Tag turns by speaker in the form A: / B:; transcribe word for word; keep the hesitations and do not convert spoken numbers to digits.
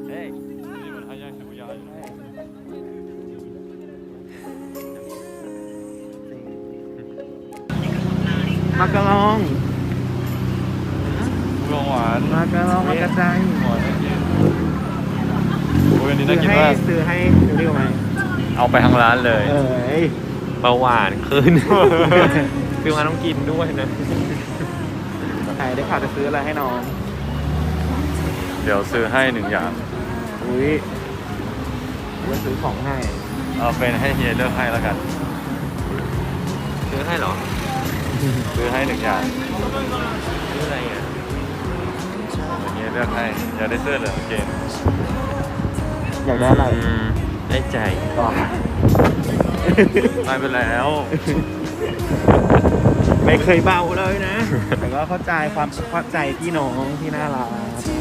A: เฮ้ยนี่มันให้ย่างหนูยาว
B: มากระลอง
A: ลงหวาน
B: มากระลองมากระจาย
A: หวานน่ากินโอ้ยอันนี้น่ากิน
B: ให้
A: มาก
B: ซื้อให้ดูดิวไหม
A: เอาไปทั้งร้านเลย
B: เอ้ย
C: เบาหวานขึ้น คือมาต้องกินด้วยนะ
B: ไหนได้ข่าวจะซื้ออะไรให้น้อง
A: เดี๋ยวซื้อให้หนึ่งอย่าง
B: อุ้ยจะซื้อของให้
A: เอาเป็นให้เฮียเลือกให้แล้วกัน
C: ซื้อให้เหรอ
A: ซื้อให้หนึ่งอย่าง
C: ซื้ออะไรอ่ะ
A: เฮียเลือกให้อยากได้เสื้อเหลืองเกง
B: อยากได้อะไร
C: อืมได้ใจ
B: ต่อ
A: ไปไปแล้ว
B: ไม่เคยเบาเลยนะ แต่ก็เข้าใจความเข้าใจพี่น้องที่น่ารัก